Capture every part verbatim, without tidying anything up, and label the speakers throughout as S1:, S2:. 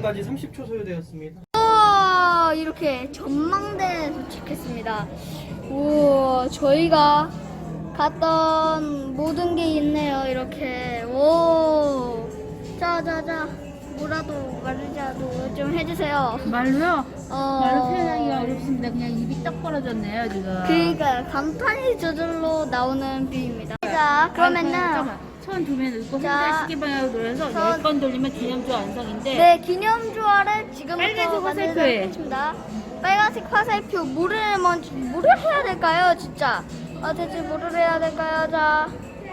S1: 전망대까지 삼십 초 소요되었습니다.
S2: 아, 이렇게 전망대에 도착했습니다. 오, 저희가 갔던 모든 게 있네요. 이렇게. 오, 자자자, 뭐라도 말이라도 좀 해주세요.
S3: 말로요?
S2: 어,
S3: 말로 표현하기가 어렵습니다. 그냥 입이 떡 벌어졌네요 지금.
S2: 그러니까 간판이 저절로 나오는 뷰입니다. 자, 그러면은
S3: 손 두 면 넣고
S2: 자,
S3: 핸들 시계 방향으로 돌려서
S2: 손.
S3: 열 번 돌리면 기념조 완성인데.
S2: 네, 기념주화를 지금부터
S3: 빨간색 화살표에.
S2: 만들겠습니다. 빨간색 화살표 뭐를 먼저 뭐를 해야 될까요, 진짜? 아, 대체 뭐를 해야 될까요, 자?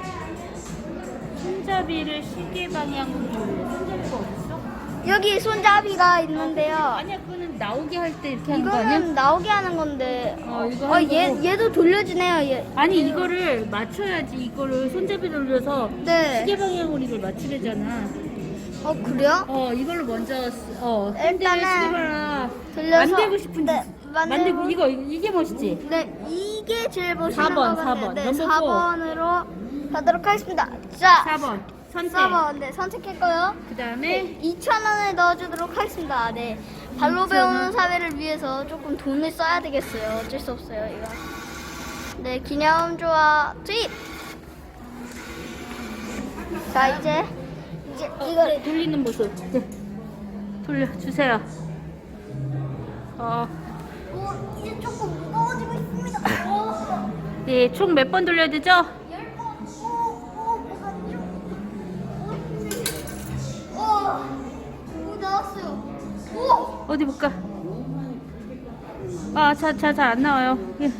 S3: 손잡이를 시계 방향으로 돌려. 손잡이가 어딨어?
S2: 여기 손잡이가 있는데요.
S3: 아니야, 그거는 나오게 할 때 이렇게 하는 거 아니야?
S2: 이거는 나오게 하는 건데.
S3: 어, 이거
S2: 어,
S3: 하는
S2: 얘
S3: 거고.
S2: 얘도 돌려지네요. 얘.
S3: 아니 이거를 맞춰야지. 이거를 손잡이 돌려서
S2: 네.
S3: 시계 방향으로 이걸 맞추려잖아.
S2: 어, 그래요?
S3: 어 이걸로 먼저 쓰- 어 핸들
S2: 일단은
S3: 시계 방향
S2: 돌려서
S3: 만들고 싶은지
S2: 네,
S3: 만들고 이거 이게 멋있지.
S2: 네, 이게 제일 멋있는
S3: 사 번,
S2: 것
S3: 사
S2: 같아요.
S3: 번.
S2: 네,
S3: 넘버
S2: 사 번으로 가도록 하겠습니다. 자,
S3: 사 번 선택.
S2: 사 번. 네, 선택했고요.
S3: 그 다음에
S2: 이천 원을 넣어주도록 하겠습니다. 네. 발로
S3: 이천 원.
S2: 배우는 사회를 위해서 조금 돈을 써야 되겠어요. 어쩔 수 없어요, 이거. 네, 기념조화 투입! 자, 이제, 이제 이거를.
S3: 돌리는 모습. 네. 돌려주세요. 어,
S2: 오, 이제 조금 무거워지고 있습니다. 오,
S3: 네, 총 몇 번 돌려야 되죠?
S2: 열 번. 오, 오, 뭐가 좀. 오, 오, 오, 나왔어요. 오!
S3: 어디 볼까? 아, 자, 자, 잘 안 나와요. 예.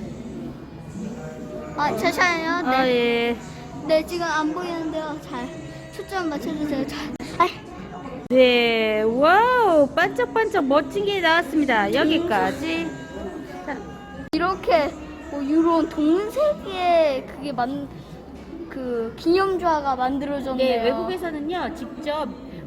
S2: 아, 잠시만요. 네.
S3: 아, 예.
S2: 네, 지금 안 보이는데요. 잘 초점 맞춰주세요. 잘. 아이.
S3: 네, 와우, 반짝반짝 멋진 게 나왔습니다. 여기까지. 자,
S2: 이렇게 뭐 이런 동색의 그게 만 그 기념좌가 만들어졌네요.
S3: 네, 외국에서는요, 직접,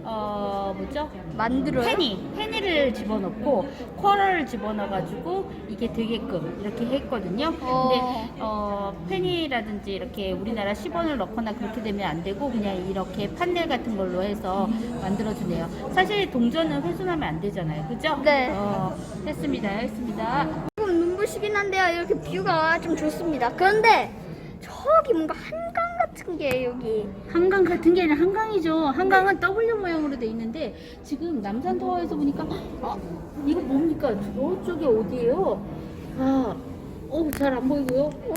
S3: 어, 뭐죠?
S2: 만들어요?
S3: 페니, 페니를 집어넣고 쿼러를 집어넣어가지고 이게 되게끔 이렇게 했거든요.
S2: 어.
S3: 근데 어, 페니라든지 이렇게 우리나라 십 원을 넣거나 그렇게 되면 안 되고 그냥 이렇게 판넬 같은 걸로 해서 만들어주네요. 사실 동전은 훼손하면 안 되잖아요, 그죠?
S2: 네.
S3: 어, 했습니다, 했습니다.
S2: 조금 눈부시긴 한데요. 이렇게 뷰가 좀 좋습니다. 그런데 저기 뭔가 한강 같은 게 여기.
S3: 한강 같은 게 아니라 한강이죠. 한강은 W 모양으로 돼 있는데 지금 남산타워에서 보니까 아, 이거 뭡니까? 저쪽이 어디예요? 아, 어, 잘 안 보이고요.
S2: 어,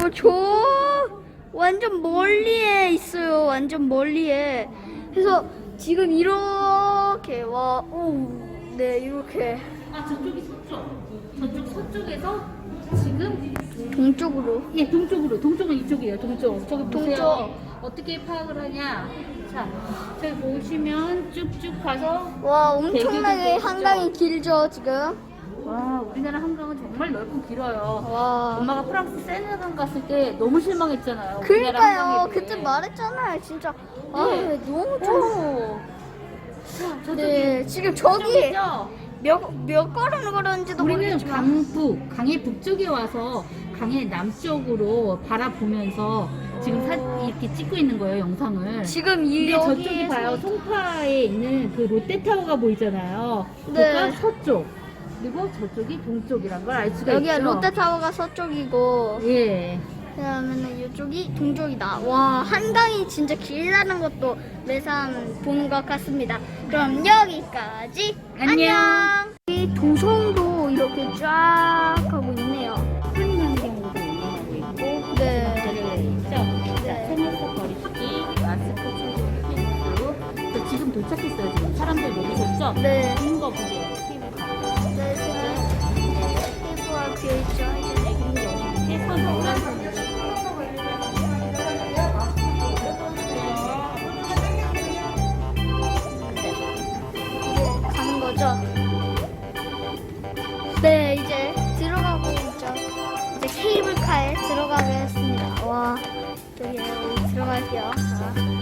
S2: 저 완전 멀리에 있어요. 완전 멀리에. 그래서 지금 이렇게 와, 오, 네 이렇게
S3: 아, 저쪽이 서쪽. 저쪽 서쪽에서 지금
S2: 동쪽으로.
S3: 예, 동쪽으로. 동쪽은 이쪽이에요. 동쪽. 저기 보세요.
S2: 동쪽.
S3: 어떻게 파악을 하냐? 자, 저기 보시면 쭉쭉 가서
S2: 와, 엄청나게
S3: 대교도
S2: 한강이 길죠 지금.
S3: 와, 우리나라 한강은 정말 넓고 길어요.
S2: 와.
S3: 엄마가 프랑스 세네강 갔을 때 너무 실망했잖아요. 우리나라
S2: 그러니까요.
S3: 한강에
S2: 그때
S3: 대해.
S2: 말했잖아요. 진짜. 아,
S3: 네.
S2: 너무 좋아.
S3: 오. 자, 저쪽이
S2: 네, 지금 저기
S3: 저쪽이죠?
S2: 몇, 몇 걸음 걸었는지도
S3: 우리는
S2: 모르겠지만.
S3: 강북, 강의 북쪽에 와서 강의 남쪽으로 바라보면서 지금 사, 이렇게 찍고 있는 거예요, 영상을.
S2: 지금 이
S3: 근데 저쪽이
S2: 여기에서-
S3: 봐요. 송파에 있는 그 롯데타워가 보이잖아요.
S2: 네.
S3: 그러니까 서쪽. 그리고 저쪽이 동쪽이란 걸 알 수가
S2: 여기가
S3: 있죠.
S2: 롯데타워가 서쪽이고,
S3: 예.
S2: 그러면은 이쪽이 동쪽이다. 와, 한강이 진짜 길다는 것도 매상 보는 것 같습니다. 그럼 여기까지.
S3: 안녕.
S2: 안녕. 이 도성도 이렇게 쫙 하고 있네요.
S3: 한강경으로도 운영하고 있고,
S2: 네.
S3: 있죠. 자,
S2: 네.
S3: 생활속 거리두기, 마스크 착용 필수. 저 지금 도착했어요. 지금 사람들 모이셨죠?
S2: 네.
S3: 좋은 거 보세요. 테이블 가고.
S2: 네, 지금 테이프가 비어있죠. 이제
S3: 이렇게 손 노란 손으로.
S2: 이제 가는 거죠. 네, 이제 들어가고 있죠. 이제 케이블카에 들어가겠습니다. 와, 여기 들어갈게요. 자.